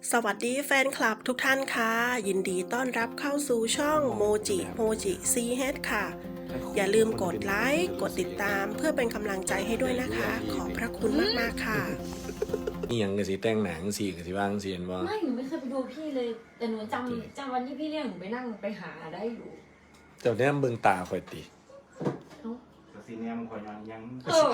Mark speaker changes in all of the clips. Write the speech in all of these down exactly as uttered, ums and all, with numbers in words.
Speaker 1: สวัสดีแฟนคลับทุกท่านค่ะยินดีต้อนรับเข้าสู่ช่องโมจิโมจิซีเฮดค่ะอย่าลืมกดไลค์กดติดตามเพื่อเป็นกำลังใจให้ด้วยนะคะ ขอบพระคุณมากๆค่ะ
Speaker 2: นี่ยังกะสิแต่งหนังสิกะสิว่างเสียนว่า
Speaker 3: ไม่หนูไม่เคยไปดูพี่เลยแต่หนูจำจำวันที่พี่เรียกหนูไปนั่งไปหาได้อยู่
Speaker 2: แต่เนี้ยเบิ่งตาข่อยติ
Speaker 4: กสิเนี่ยมันคอยยังยัง
Speaker 3: เออ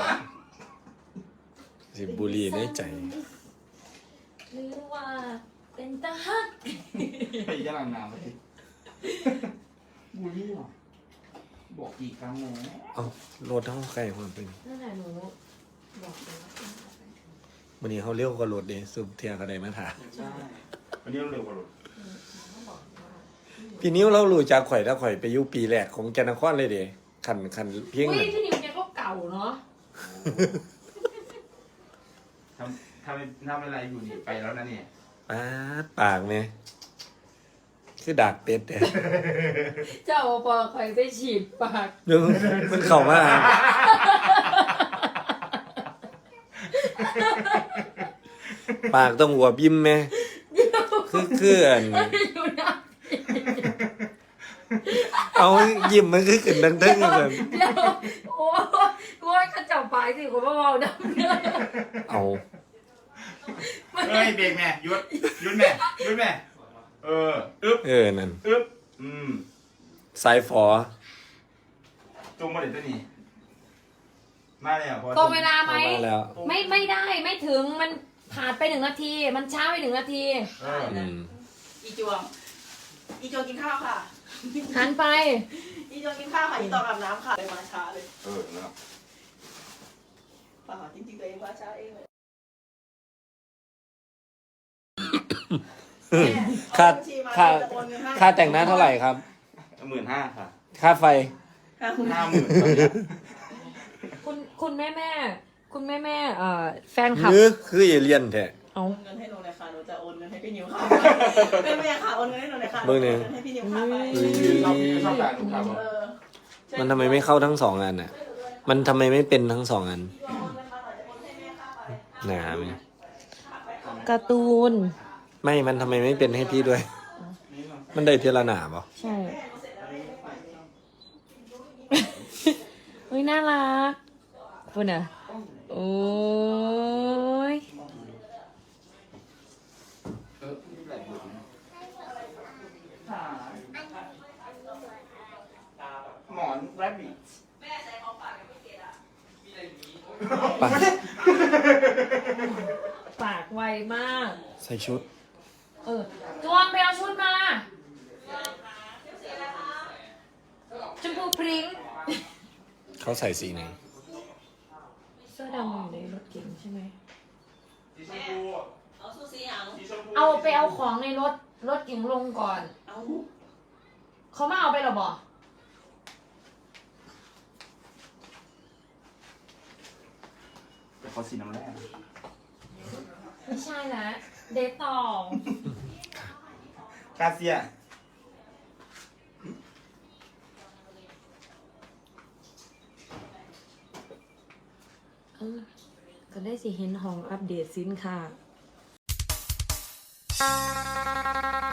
Speaker 2: สิบุรีในใจ
Speaker 3: หรือว่าเป็นตาฮัก
Speaker 4: ไปจะหลังน้ำเลยบูลลี่หรอบอกกี่ครั้งแล้ว
Speaker 2: เอารถเฮาใกล้ความเป็น
Speaker 3: นั่นแหละหนูบอกเลยว่า
Speaker 2: วันนี้เขาเร็วกว่ารถเด้สุบเทียก็ได้มาถา
Speaker 4: ใช่วันนี้เราเร็วกว่ารถ
Speaker 2: พี่นิ้วเรารู้จักข่อยถ้าข่อยไปอยู่ปีแรกของแกนครเลยเด้คันคันเพียง
Speaker 3: อุ้ยพี่นิวแกก็เก่าเนาะ
Speaker 4: ทำทำทำอะไรอยู่นี่ไปแล้วนะเนี่ย
Speaker 2: ปาดปากเนี่ยคือดากเป็ดเด้
Speaker 3: เจ้าพอข่อยไปฉีดปาก
Speaker 2: เดี๋ยวมันเข้ามาปากต้องหัวบิ้มไหมคือคืออันเอายิ้มมันคือขึ้นดังๆแบบ
Speaker 3: เดี๋ยวโอ้โอ้ยข้าเจ้าปากสิผมว่าเบาดังเลย
Speaker 2: เอา
Speaker 4: เฮ้ยเบรกแม่หยุดหยุดแม่หยุดแม่เอออึ๊บ
Speaker 2: เออนั่น
Speaker 4: อึ๊บอืม
Speaker 2: สายฝอ
Speaker 4: จงมาเด็ดตัวนี้มาแล้วพอ
Speaker 3: ตรงเวลาไหม
Speaker 2: แล้ว
Speaker 3: ไม่ไม่ได้ไม่ถึงมันผ่านไปหนึ่งนาทีมันช้าไปหนึ่งนาที
Speaker 5: อีจวงอีจวงกินข้าวค่ะ
Speaker 3: หันไป
Speaker 5: อีจวงกินข้าวค่ะอีตองอาบน้ำค่ะเลยมาช้าเลย
Speaker 4: เออแล้ว
Speaker 5: ป่าจริงๆตัวเองมาช้าเองเลย
Speaker 2: ค่าค่าค่าแต่งหน้าเท่าไหร่ครับ
Speaker 4: หมื่นห้าค่ะ
Speaker 2: ค่าไฟ
Speaker 4: ห้าหมื่น
Speaker 3: คุณคุณแม่แม่คุณแม่แม่เอ่อแฟนคลับ
Speaker 2: คือคือเอเลียนแท้
Speaker 5: เอาเงินให้หนูเลยค่ะหนูจะโอนเงินให้พี่นิวค่ะแม่แม่ค่ะโอนเงินให้หนูเลยค่ะ
Speaker 2: เบอร์เนี่ย
Speaker 5: ให้พี่นิวค่ะไป
Speaker 4: ชอบการลูกค้า
Speaker 2: มันทำไมไม่เข้าทั้งสองอันอ่ะมันทำไมไม่เป็นทั้งสองอันหนาไหม
Speaker 3: การ์ตูน
Speaker 2: ไม่มันทำไมไม่เป็นให้พี่ด้วย มันได้เทละหนาป่ะ
Speaker 3: ใช่เฮ้ยน่ารักคุณอ่ะโอ้ย
Speaker 4: หมอนแรบบิท
Speaker 5: แม่ใส่ของฝากกับพี่เกดอ่ะ
Speaker 2: ปาก
Speaker 3: ปากไวมาก
Speaker 2: ใส่ชุด
Speaker 3: เออจวงไปเอาชุดมาชมพูพริ้ง
Speaker 2: เขาใส่สีไหน
Speaker 3: เสื้อดำอยู่ในรถเก๋งใช่ไหม
Speaker 5: เอาซูซี่ยัง
Speaker 3: เอาไปเอาของในรถรถเก๋งลงก่อน
Speaker 5: เอา
Speaker 3: เขามาเอาไปหรอบอก
Speaker 4: แต่เขาสีน้ำแร่
Speaker 3: ไม่ใช่นะเดทต่อก
Speaker 4: าเซีย
Speaker 3: เออก็ได้สิเห็นห้องอัปเดตสินค้า